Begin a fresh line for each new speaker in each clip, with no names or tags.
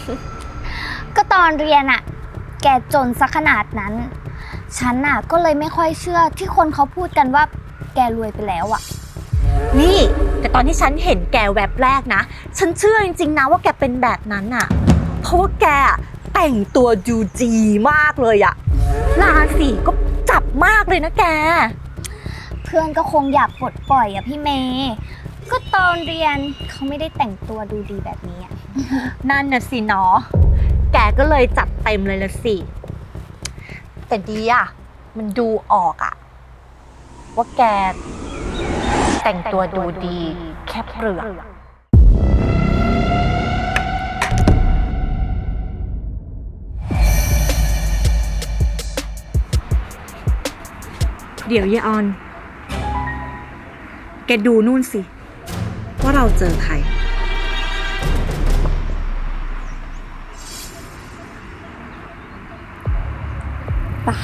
ก็ตอนเรียนอะแกจนซะขนาดนั้นฉันอะก็เลยไม่ค่อยเชื่อที่คนเขาพูดกันว่าแกรวยไปแล้วอะ
นี่แต่ตอนที่ฉันเห็นแกแวบแรกนะฉันเชื่อจริงๆนะว่าแกเป็นแบบนั้นอะเพราะว่าแกแต่งตัวดูดีมากเลยอะราศีก็จับมากเลยนะแก
เพื่อนก็คงอยากปลดปล่อยอะพี่เมย์ก็ตอนเรียนเขาไม่ได้แต่งตัวดูดีแบบนี้อะ
นั่นน่ะสิเนาะแกก็เลยจัดเต็มเลยละสิแต่ดีอะมันดูออกอะว่าแกแต่งตัวดูดีแค่เปลือกเดี๋ยวยายออนแกดูนู่นสิว่าเราเจอใครป่ะ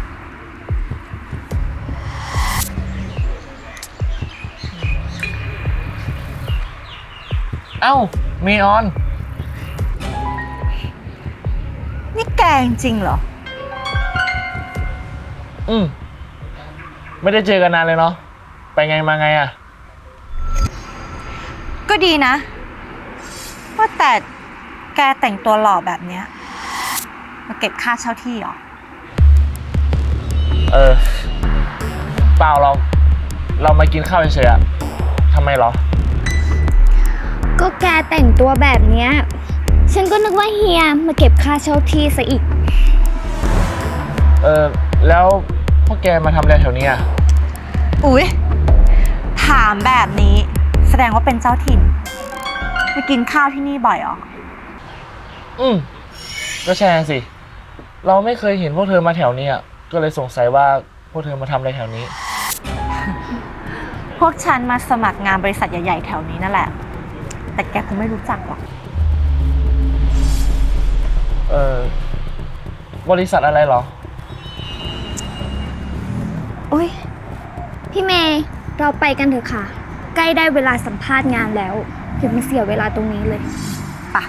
เอ้ามีออน
นี่แกจริงเหรอ
ไม่ได้เจอกันนานเลยเนาะไปไงมาไงอะ
ก็ดีนะว่าแต่แกแต่งตัวหล่อแบบเนี้ยมาเก็บค่าเช่าที่เหรอ
เปล่าเรามากินข้าวเฉยๆอะทำไมเหรอ
ก็แกแต่งตัวแบบเนี้ยฉันก็นึกว่าเฮียมาเก็บค่าเช่าที่ซะอีก
แล้วพวกแกมาทำอะไรแถวนี้อะ
อุ๊ยถามแบบนี้แสดงว่าเป็นเจ้าถิ่นมากินข้าวที่นี่บ่อยเหรอ
ก็ใช่สิเราไม่เคยเห็นพวกเธอมาแถวนี้อะก็เลยสงสัยว่าพวกเธอมาทำอะไรแถวนี้
พวกฉันมาสมัครงานบริษัทใหญ่ๆแถวนี้นั่นแหละแต่แกคงไม่รู้จักหรอก
บริษัทอะไรเหรอ
อุ๊ยพี่เมย์เราไปกันเถอะค่ะใกล้ได้เวลาสัมภาษณ์งานแล้วอย่ามาเสียเวลาตรงนี้เลย
ป่ะ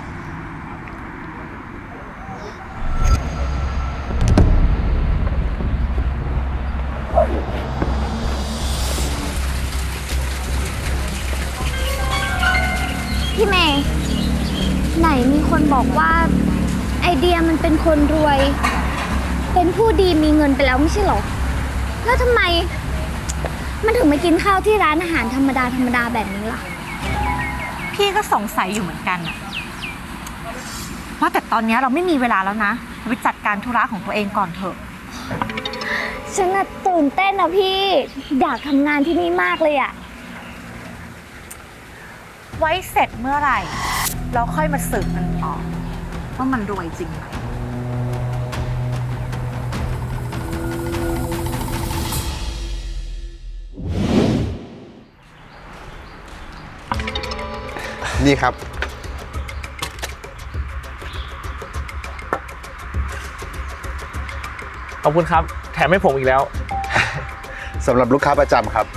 พี่เมย์ไหนมีคนบอกว่าไอเดียมันเป็นคนรวยเป็นผู้ดีมีเงินไปแล้วไม่ใช่หรอแล้วทำไมมันถึงมากินข้าวที่ร้านอาหารธรรมดาแบบนี้ล่ะ
พี่ก็สงสัยอยู่เหมือนกันอะว่าแต่ตอนนี้เราไม่มีเวลาแล้วนะไปจัดการธุระของตัวเองก่อนเถอะ
ฉันตื่นเต้นอะพี่อยากทำงานที่นี่มากเลยอะ
ไว้เสร็จเมื่อไหร่เราค่อยมาสืบมันต่อว่ามันรวยจริงไหม
นี่ครับ
ขอบคุณครับแถมให้ผมอีกแล้ว
สำหรับลูกค้าประจำครับ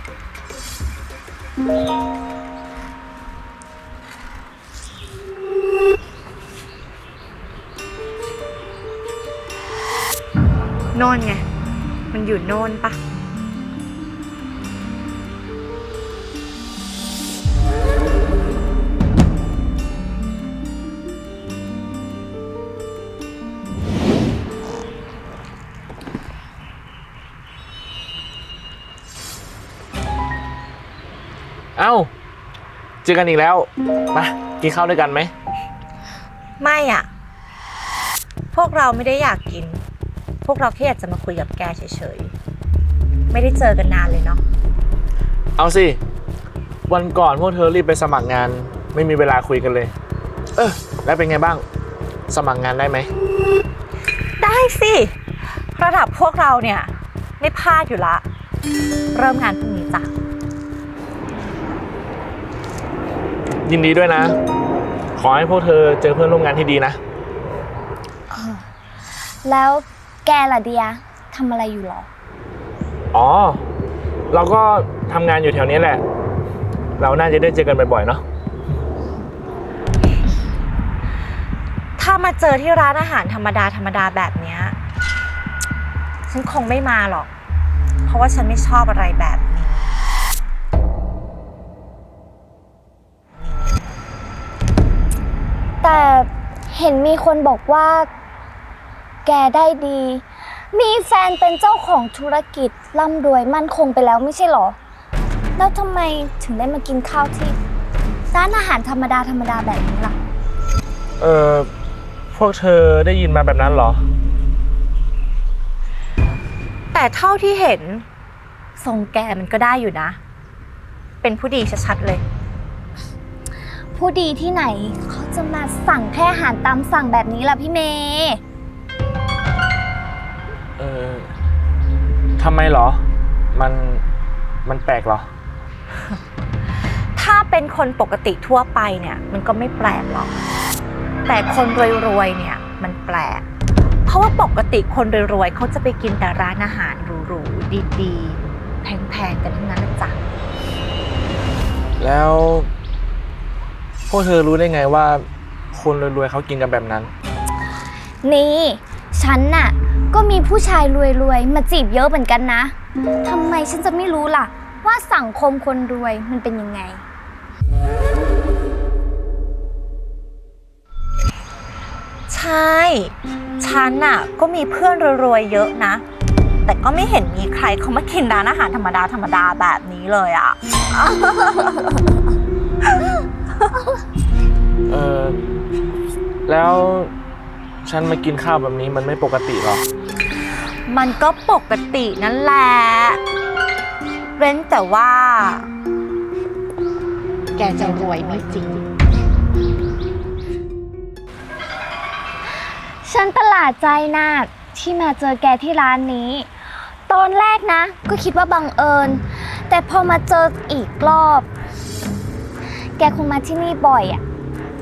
โน่นไงมันอยู่โน่นปะ
เอ้าเจอกันอีกแล้วมากินข้าวด้วยกันไหม
ไม่อ่ะพวกเราไม่ได้อยากกินพวกเราแค่อยากจะมาคุยกับแกเฉยๆไม่ได้เจอกันนานเลยเนาะ
เอาสิวันก่อนพวกเธอรีบไปสมัครงานไม่มีเวลาคุยกันเลยแล้วเป็นไงบ้างสมัครงานได้ไหม
ได้สิระดับพวกเราเนี่ยไม่พลาดอยู่ละเริ่มงานพรุ่งนี้จ้ะ
ยินดีด้วยนะขอให้พวกเธอเจอเพื่อนร่วมงานที่ดีนะ
แล้วแกล่ะเดียทำอะไรอยู่หรอ
อ๋อเราก็ทำงานอยู่แถวนี้แหละเราน่าจะได้เจอกันบ่อยๆเนาะ
ถ้ามาเจอที่ร้านอาหารธรรมดาธรรมดาแบบเนี้ยฉันคงไม่มาหรอก เพราะว่าฉันไม่ชอบอะไรแบบนี้
แต่เห็นมีคนบอกว่า แกได้ดี มีแฟนเป็นเจ้าของธุรกิจร่ำรวยมั่นคงไปแล้วไม่ใช่หรอ แล้วทำไมถึงได้มากินข้าวที่ร้านอาหารธรรมดาธรรมดาแบบนี้ล่ะ
พวกเธอได้ยินมาแบบนั้นเหรอ
แต่เท่าที่เห็นทรงแกมันก็ได้อยู่นะ เป็นผู้ดีชัดๆเลย
ผู้ดีที่ไหนเขาจะมาสั่งแค่อาหารตามสั่งแบบนี้ล่ะพี่เมย์
ทำไมเหรอ มันแปลกเหรอ
ถ้าเป็นคนปกติทั่วไปเนี่ยมันก็ไม่แปลกหรอก แต่คนรวยๆเนี่ยมันแปลก เพราะว่าปกติคนรวยๆเขาจะไปกินแต่ร้านอาหารหรูๆดีๆแพงๆกันทั้งนั้นนะจ๊ะ
แล้วพวกเธอรู้ได้ไงว่าคนรวยๆเขากินกันแบบนั้น
นี่ฉันน่ะก็มีผู้ชายรวยๆมาจีบเยอะเหมือนกันนะทำไมฉันจะไม่รู้ล่ะว่าสังคมคนรวยมันเป็นยังไง
ใช่ ฉันน่ะก็มีเพื่อนรวยๆเยอะนะ แต่ก็ไม่เห็นมีใครเขามากินร้านอาหารธรรมดาแบบนี้เลยอ่ะ
แล้วฉันมากินข้าวแบบนี้มันไม่ปกติหรอ
มันก็ปกตินั่นแหละ เว้นแต่ว่า แกจะรวยไม่จริง
ฉันประหลาดใจนะที่มาเจอแกที่ร้านนี้ ตอนแรกนะ ก็คิดว่าบังเอิญ แต่พอมาเจออีกรอบ แกคงมาที่นี่บ่อยอ่ะ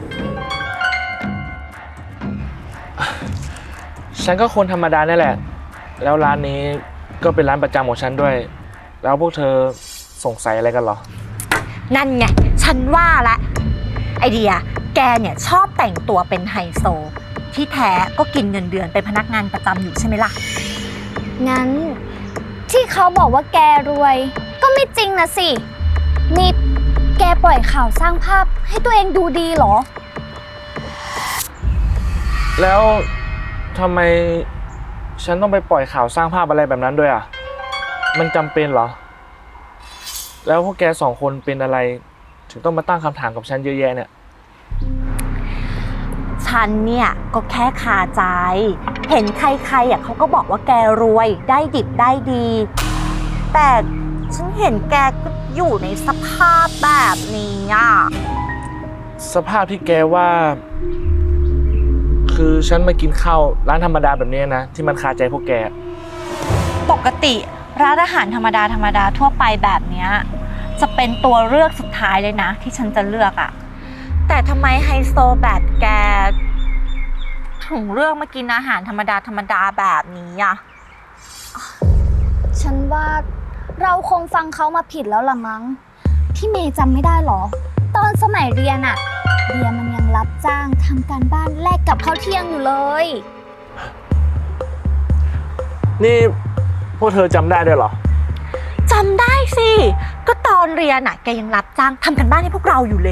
ฉันก็คนธรรมดานี่แหละ แล้วร้านนี้ก็เป็นร้านประจำของฉันด้วย แล้วพวกเธอสงสัยอะไรกันเหรอ
นั่นไง ฉันว่าละไอเดีย แกเนี่ยชอบแต่งตัวเป็นไฮโซ ที่แท้ก็กินเงินเดือนเป็นพนักงานประจำอยู่ใช่ไหมล่ะ
งั้นที่เขาบอกว่าแกรวย ก็ไม่จริงนะสิ นี่แกปล่อยข่าวสร้างภาพให้ตัวเองดูดีเหรอ
แล้วทำไมฉันต้องไปปล่อยข่าวสร้างภาพอะไรแบบนั้นด้วยอ่ะ มันจำเป็นเหรอ แล้วพวกแกสองคนเป็นอะไรถึงต้องมาตั้งคำถามกับฉันเยอะแยะเนี่ย
ฉันเนี่ยก็แค่คาใจ เห็นใครๆอ่ะเขาก็บอกว่าแกรวยได้ดิบได้ดี แต่ฉันเห็นแกก็อยู่ในสภาพแบบนี้อ่ะ
สภาพที่แกว่า คือฉันมากินข้าวร้านธรรมดาแบบนี้นะที่มันคาใจพวกแก
ปกติร้านอาหารธรรมดาทั่วไปแบบเนี้ยจะเป็นตัวเลือกสุดท้ายเลยนะที่ฉันจะเลือกอ่ะแต่ทำไมไฮโซแบบแกถึงเลือกมากินอาหารธรรมดาแบบนี้อ่ะ
ฉันว่าเราคงฟังเขามาผิดแล้วล่ะมั้ง พี่เมย์จำไม่ได้หรอ ตอนสมัยเรียนอะเดียมันยังรับจ้างทำการบ้านแลกกับข้าวเที่ยงอยู่เลย
นี่พวกเธอจำได้ด้วยเหรอ
จำได้สิ ก็ตอนเรียนน่ะแกยังรับจ้างทำกันบ้านให้พวกเราอยู่เลย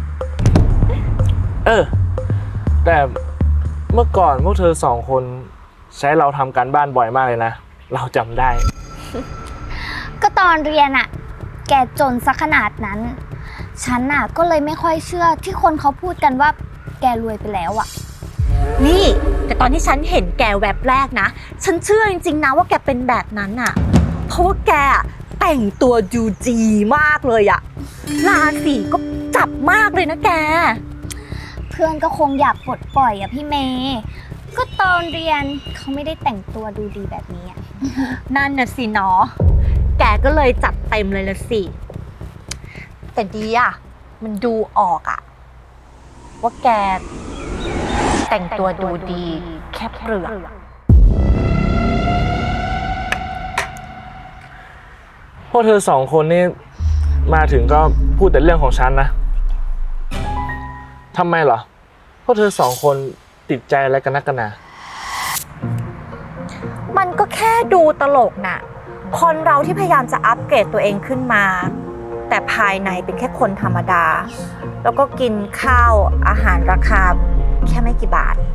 แต่เมื่อก่อนพวกเธอสองคนใช้เราทำการบ้านบ่อยมากเลยนะ เราจำได้
ก็ตอนเรียนอะแกจนซะขนาดนั้น ฉันอะก็เลยไม่ค่อยเชื่อที่คนเขาพูดกันว่าแกรวยไปแล้วอะ
นี่แต่ตอนที่ฉันเห็นแกแวบแรกนะฉันเชื่อจริงๆนะว่าแกเป็นแบบนั้นอ่ะเพราะว่าแกแต่งตัวดูดีมากเลยอ่ะราศีก็จับมากเลยนะแก
เพื่อนก็คงอยากปลดปล่อยอะพี่เมย์ก็ตอนเรียนเขาไม่ได้แต่งตัวดูดีแบบนี้อะ
นั่นน่ะสิเนาะแกก็เลยจัดเต็มเลยละสิแต่ดีอ่ะมันดูออกอ่ะว่าแกแต่งตัวดูดีแค่เปลือก
พวกเธอสองคนนี่มาถึงก็พูดแต่เรื่องของฉันนะทำไมเหรอพวกเธอสองคนติดใจอะไรกันนักกันหนา
มันก็แค่ดูตลกน่ะ คนเราที่พยายามจะอัปเกรดตัวเองขึ้นมา แต่ภายในเป็นแค่คนธรรมดา แล้วก็กินข้าวอาหารราคาแค่ไม่กี่บาท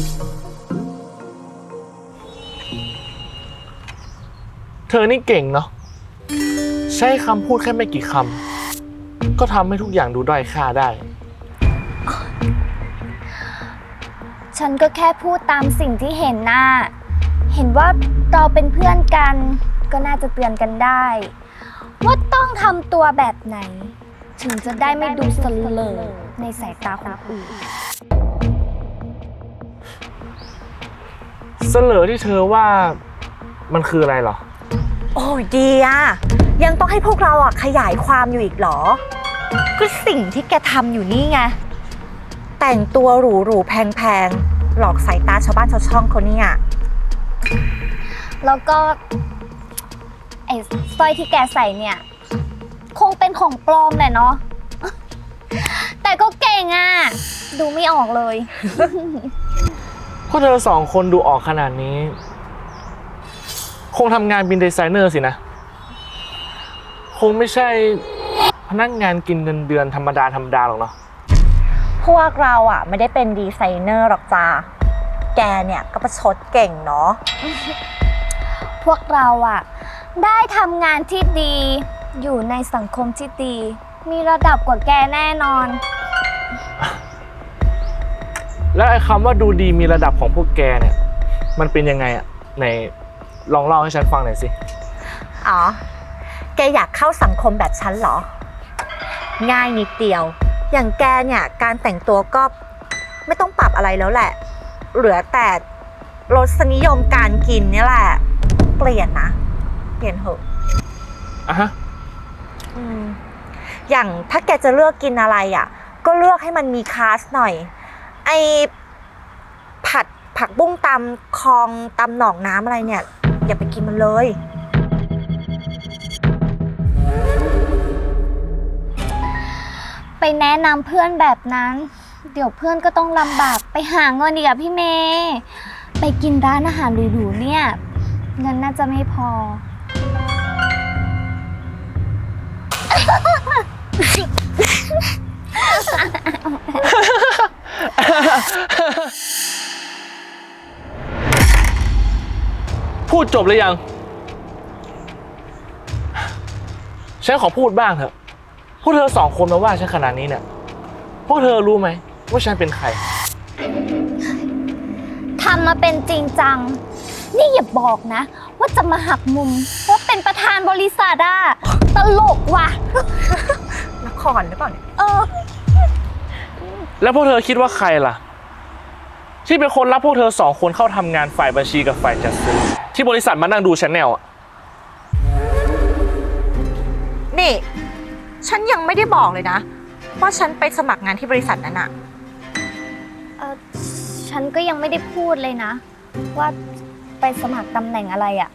เธอนี่เก่งเนาะใช้คำพูดแค่ไม่กี่คำก็ทำให้ทุกอย่างดูด้อยค่าได้
ฉันก็แค่พูดตามสิ่งที่เห็นน่ะเห็นว่าเราเป็นเพื่อนกันก็น่าจะเตือนกันได้ ว่าต้องทำตัวแบบไหน ถึงจะได้ไม่ดูเสลอในสายตาคนอื่น
เสลอที่เธอว่ามันคืออะไรเหรอ
โอ้ยดีอะยังต้องให้พวกเราอะขยายความอยู่อีกเหรอ ก็สิ่งที่แกทำอยู่นี่ไง แต่งตัวหรูๆแพงๆ หลอกสายตาชาวบ้านชาวช่องเขาเนี่ย
แล้วก็ไอ้สร้อยที่แกใส่เนี่ย คงเป็นของปลอมแหละเนาะ แต่ก็เก่งอ่ะ ดูไม่ออกเลย
พวกเธอสองคนดูออกขนาดนี้ คงทำงานเป็นดีไซเนอร์สินะ คงไม่ใช่พนักงานกินเงินเดือนธรรมดาหรอกเนาะ
พวกเราอะไม่ได้เป็นดีไซเนอร์หรอกจ้าแกเนี่ยก็ประชดเก่งเนาะ
พวกเราอ่ะ ได้ทำงานที่ดี อยู่ในสังคมที่ดี มีระดับกว่าแกแน่นอน
แล้วไอ้คำว่าดูดีมีระดับของพวกแกเนี่ย มันเป็นยังไงอะไหนลองเล่าให้ฉันฟังหน่อยสิ
อ๋อ แกอยากเข้าสังคมแบบฉันเหรอ ง่ายนิดเดียว อย่างแกเนี่ยการแต่งตัวก็ไม่ต้องปรับอะไรแล้วแหละ เหลือแต่รสนิยมการกินเนี่ยแหละ เปลี่ยนนะ เปลี่ยนเถอะ
อ่ะฮะ
อย่างถ้าแกจะเลือกกินอะไรอ่ะ ก็เลือกให้มันมีคลาสหน่อย ไอผัดผักบุ้งตำคลองตำหนองน้ำอะไรเนี่ย อย่าไปกินมันเลย
ไปแนะนำเพื่อนแบบนั้น เดี๋ยวเพื่อนก็ต้องลำบากไปหาเงินอีกอะพี่เมย์ไปกินร้านอาหารหรูๆเนี่ย เงินน่าจะไม่พอ
พูดจบหรือยัง ฉันขอพูดบ้างเถอะ พวกเธอสองคนมาว่าฉันขนาดนี้เนี่ย พวกเธอรู้ไหมว่าฉันเป็นใคร
ทำมาเป็นจริงจัง นี่อย่าบอกนะ ว่าจะมาหักมุมว่าเป็นประธานบริษัทอะตลกว่ะ
นครหรือเปล่าเนี่ย
แล้วพวกเธอคิดว่าใครล่ะ ที่เป็นคนรับพวกเธอสองคนเข้าทำงานฝ่ายบัญชีกับฝ่ายจัดซื้อที่บริษัทมานั่งดูชแนลอะ
นี่ ฉันยังไม่ได้บอกเลยนะ ว่าฉันไปสมัครงานที่บริษัทนั้นอะ
ฉันก็ยังไม่ได้พูดเลยนะ ว่าไปสมัครตำแหน่งอะไรอะ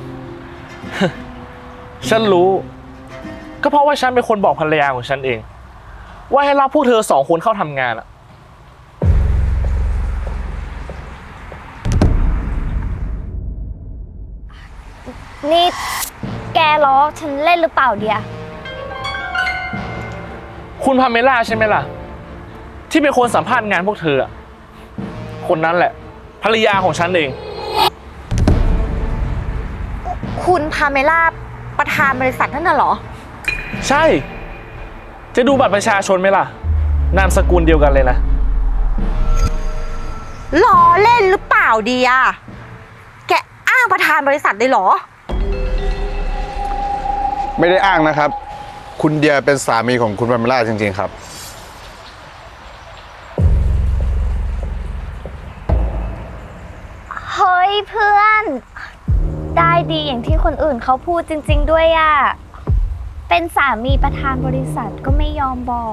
ฉันรู้ ก็เพราะว่าฉันเป็นคนบอกภรรยาของฉันเอง ว่าให้รับพวกเธอสองคนเข้าทำงานอะ
นี่แกล้อฉันเล่นหรือเปล่าเดีย
คุณพาเมล่าใช่ไหมล่ะ ที่เป็นคนสัมภาษณ์งานพวกเธออะคนนั้นแหละ ภรรยาของฉันเอง
คุณพาเมล่าประธานบริษัทนั่นน่ะเหรอ
ใช่ จะดูบัตรประชาชนไหมล่ะ นามสกุลเดียวกันเลยนะ
ล้อเล่นหรือเปล่าเดีย แกอ้างประธานบริษัทเลยเหรอ
ไม่ได้อ้างนะครับ คุณเดียเป็นสามีของคุณพาเมล่าจริงๆครับ
เฮ้ยเพื่อน ได้ดีอย่างที่คนอื่นเขาพูดจริงๆด้วยอะเป็นสามีประธานบริษัทก็ไม่ยอมบอก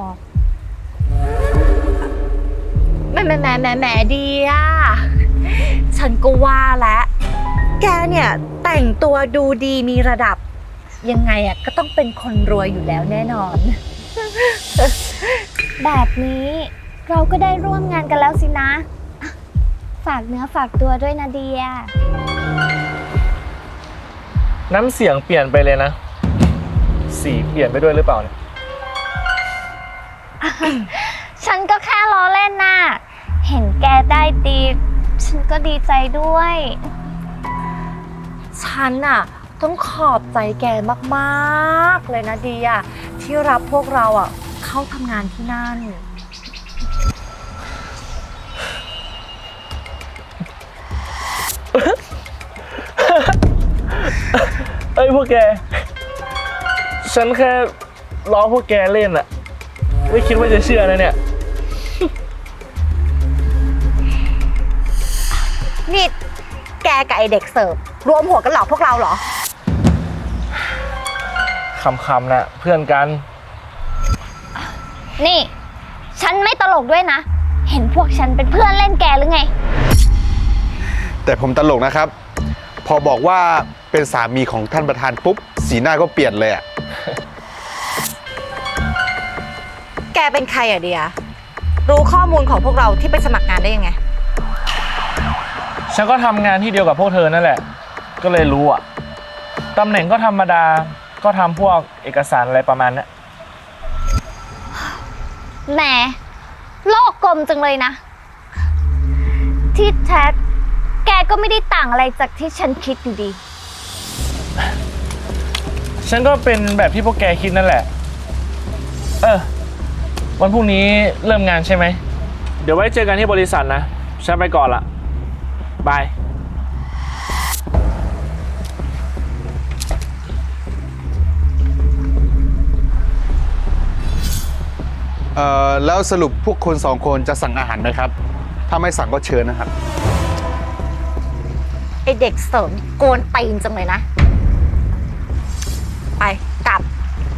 แหมดีอ่ะ ฉันก็ว่าแล้วแกเนี่ยแต่งตัวดูดีมีระดับ ยังไงอ่ะก็ต้องเป็นคนรวยอยู่แล้วแน่นอน
แบบนี้เราก็ได้ร่วมงานกันแล้วสินะากเนื้อฝากตัวด้วยนะเดีย
น้ำเสียงเปลี่ยนไปเลยนะ สีเปลี่ยนไปด้วยหรือเปล่าเนี่ย
ฉันก็แค่ล้อเล่นน่ะ เห็นแกได้ดี ฉันก็ดีใจด้วย
ฉันน่ะต้องขอบใจแกมากๆเลยนะเดียที่รับพวกเราอ่ะเข้าทำงานที่นั่น
เอ้ยพวกแก ฉันแค่ล้อพวกแกเล่นอะไม่คิดว่าจะเชื่อนะเนี่ย
นี่แกกับไอเด็กเสิร์ฟรวมหัวกันหลอกพวกเราเหรอ
คำๆนะเพื่อนกัน
นี่ ฉันไม่ตลกด้วยนะ เห็นพวกฉันเป็นเพื่อนเล่นแกหรือไง
แต่ผมตลกนะครับ พอบอกว่าเป็นสามีของท่านประธานปุ๊บสีหน้าก็เปลี่ยนเลยอะ
แกเป็นใครอะเดียรู้ข้อมูลของพวกเราที่ไปสมัครงานได้ยังไง
ฉันก็ทำงานที่เดียวกับพวกเธอนั่นแหละ ก็เลยรู้อะตำแหน่งก็ธรรมดา ก็ทำพวกเอกสารอะไรประมาณนี้
แหม โลกกลมจังเลยนะ ที่แท้แกก็ไม่ได้ต่างอะไรจากที่ฉันคิดอยู่ดี
ฉันก็เป็นแบบที่พวกแกคิดนั่นแหละ วันพรุ่งนี้เริ่มงานใช่ไหม เดี๋ยวไว้เจอกันที่บริษัทนะ ฉันไปก่อนละบาย
แล้วสรุปพวกคน2 คนจะสั่งอาหารไหมครับ ถ้าไม่สั่งก็เชิญนะครับ
ไอเด็กเสริมโกนตีนจังเลยนะ ไปกลับ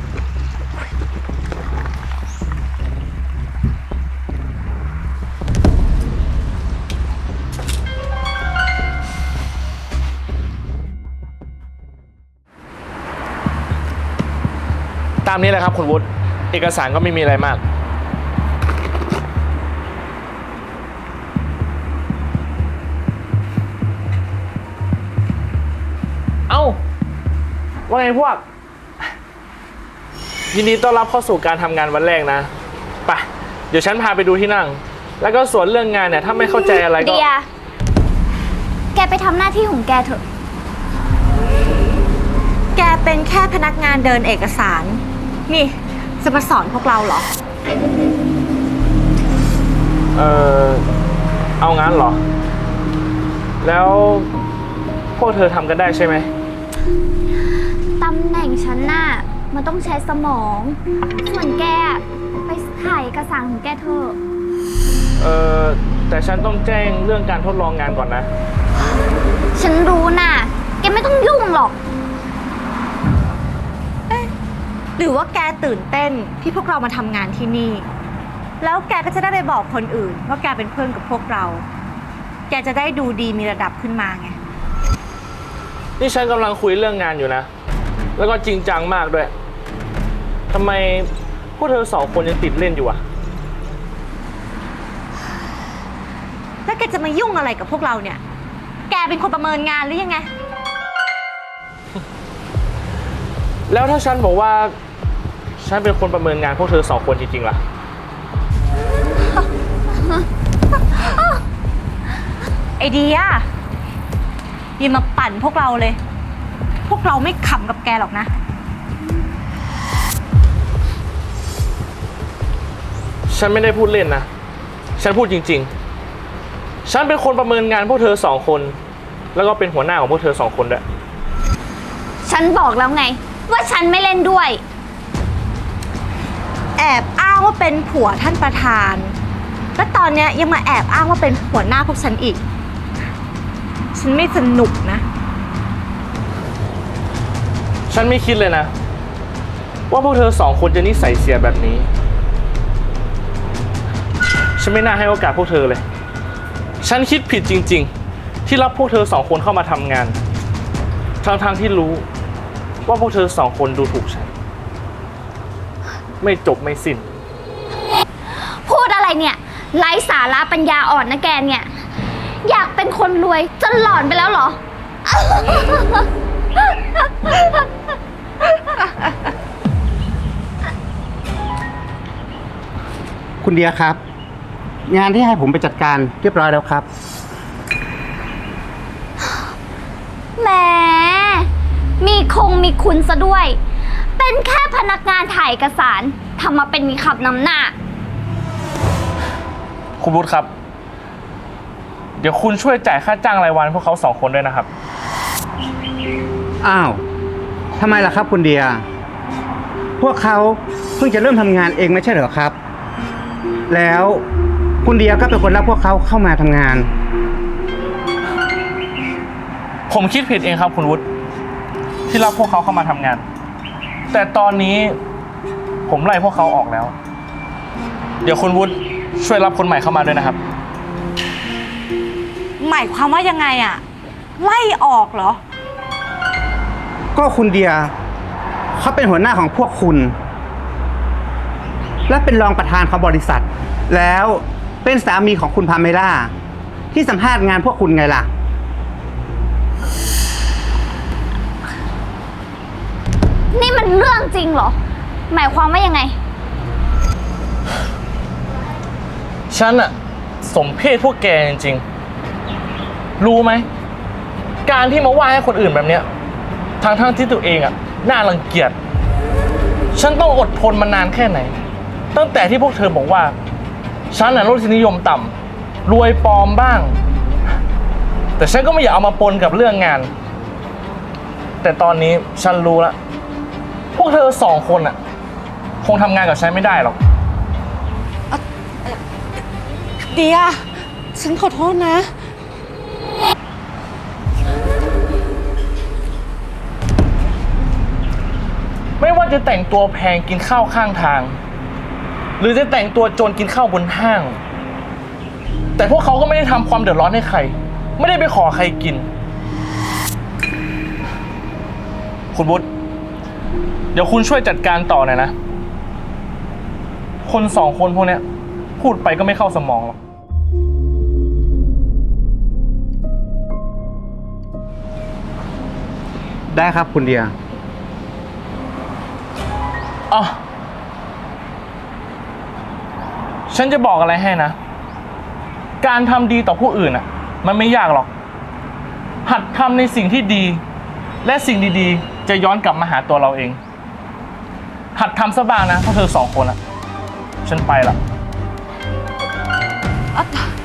ตามนี้แหละครับคุณวุฒิเอกสารก็ไม่มีอะไรมาก เอ้า ว่าไงพวก ยินดีต้อนรับเข้าสู่การทำงานวันแรกนะ ไป เดี๋ยวฉันพาไปดูที่นั่ง แล้วก็ส่วนเรื่องงานเนี่ยถ้าไม่เข้าใจอะไรก็
เดีย แกไปทำหน้าที่ของแกเถอะ
แกเป็นแค่พนักงานเดินเอกสาร นี่จะมาสอนพวกเราเหรอ
เอางั้นเหรอ แล้วพวกเธอทำกันได้ใช่ไหม
ตำแหน่งฉันน่ะ มันต้องใช้สมอง ส่วนแกอะไปถ่ายเอกสารของแกเถอะ
แต่ฉันต้องแจ้งเรื่องการทดลองงานก่อนนะ
ฉันรู้น่ะ แกไม่ต้องยุ่งหรอก
หรือว่าแกตื่นเต้นที่พวกเรามาทำงานที่นี่ แล้วแกก็จะได้ไปบอกคนอื่นว่าแกเป็นเพื่อนกับพวกเรา แกจะได้ดูดีมีระดับขึ้นมาไง
นี่ฉันกำลังคุยเรื่องงานอยู่นะ แล้วก็จริงจังมากด้วย ทำไมพวกเธอ2 คนยังติดเล่นอยู่อะ
แล้วแกจะมายุ่งอะไรกับพวกเราเนี่ย แกเป็นคนประเมินงานหรือยังไง
แล้วถ้าฉันบอกว่า ฉันเป็นคนประเมินงานพวกเธอ2 คนจริงๆล่ะ
ไอเดียอย่ามาปั่นพวกเราเลย พวกเราไม่ขำกับแกหรอกนะ
ฉันไม่ได้พูดเล่นนะ ฉันพูดจริงๆ ฉันเป็นคนประเมินงานพวกเธอ2 คน แล้วก็เป็นหัวหน้าของพวกเธอ2 คนด้วย
ฉันบอกแล้วไง ว่าฉันไม่เล่นด้วย
แอบอ้างว่าเป็นผัวท่านประธาน แล้วตอนเนี้ยยังมาแอบอ้างว่าเป็นหัวหน้าพวกฉันอีก ฉันไม่สนุกนะ
ฉันไม่คิดเลยนะ ว่าพวกเธอ2 คนจะนิสัยเสียแบบนี้ ฉันไม่น่าให้โอกาสพวกเธอเลย ฉันคิดผิดจริงๆ ที่รับพวกเธอ2 คนเข้ามาทำงาน ทั้งที่รู้ว่าพวกเธอ2 คนดูถูกฉัน ไม่จบไม่สิ้น
พูดอะไรเนี่ย ไร้สาระปัญญาอ่อนนะแกเนี่ยอยากเป็นคนรวยจนหลอนไปแล้วเหรอ
คุณเดียครับ งานที่ให้ผมไปจัดการเรียบร้อยแล้วครับ
แหมมีคุณซะด้วย เป็นแค่พนักงานถ่ายเอกสารทำมาเป็นมีขับนำหน้า
คุณวุฒิครับ เดี๋ยวคุณช่วยจ่ายค่าจ้างรายวันพวกเขา2 คนด้วยนะครับ
อ้าวทำไมล่ะครับคุณเดีย พวกเขาเพิ่งจะเริ่มทำงานเองไม่ใช่เหรอครับ แล้วคุณเดียก็เป็นคนรับพวกเขาเข้ามาทำงาน
ผมคิดผิดเองครับคุณวุฒิที่รับพวกเขาเข้ามาทำงาน แต่ตอนนี้ผมไล่พวกเขาออกแล้ว เดี๋ยวคุณวุฒิช่วยรับคนใหม่เข้ามาด้วยนะครับ
หมายความว่ายังไงอะไล่ออกเหรอ
ก็คุณเดียเขาเป็นหัวหน้าของพวกคุณ และเป็นรองประธานของบริษัท แล้วเป็นสามีของคุณพาเมล่าที่สัมภาษณ์งานพวกคุณไงล่ะ
นี่มันเรื่องจริงเหรอ หมายความว่ายังไง
ฉันอะสมเพศพวกแกจริงๆ รู้ไหม การที่มาว่าให้คนอื่นแบบเนี้ยทั้งที่ตัวเองอะน่ารังเกียจ ฉันต้องอดทนมานานแค่ไหน ตั้งแต่ที่พวกเธอบอกว่า ฉันน่ะรสนิยมต่ำรวยปลอมบ้าง แต่ฉันก็ไม่อยากเอามาปนกับเรื่องงาน แต่ตอนนี้ฉันรู้แล้ว พวกเธอ2 คนอะคงทำงานกับฉันไม่ได้หรอก
เดีย ฉันขอโทษนะ
ไม่ว่าจะแต่งตัวแพงกินข้าวข้างทาง หรือจะแต่งตัวจนกินข้าวบนห้าง แต่พวกเขาก็ไม่ได้ทำความเดือดร้อนให้ใคร ไม่ได้ไปขอใครกิน คุณวุฒิเดี๋ยวคุณช่วยจัดการต่อหน่อยนะ คน2 คนพวกเนี้ยพูดไปก็ไม่เข้าสมองหรอก
ได้ครับคุณเดีย
อ๋อ ฉันจะบอกอะไรให้นะ การทำดีต่อผู้อื่นอ่ะ มันไม่ยากหรอก หัดทำในสิ่งที่ดี และสิ่งดีๆ จะย้อนกลับมาหาตัวเราเอง หัดทำซะบ้างนะพวกเธอ2 คนอ่ะ ฉันไปละ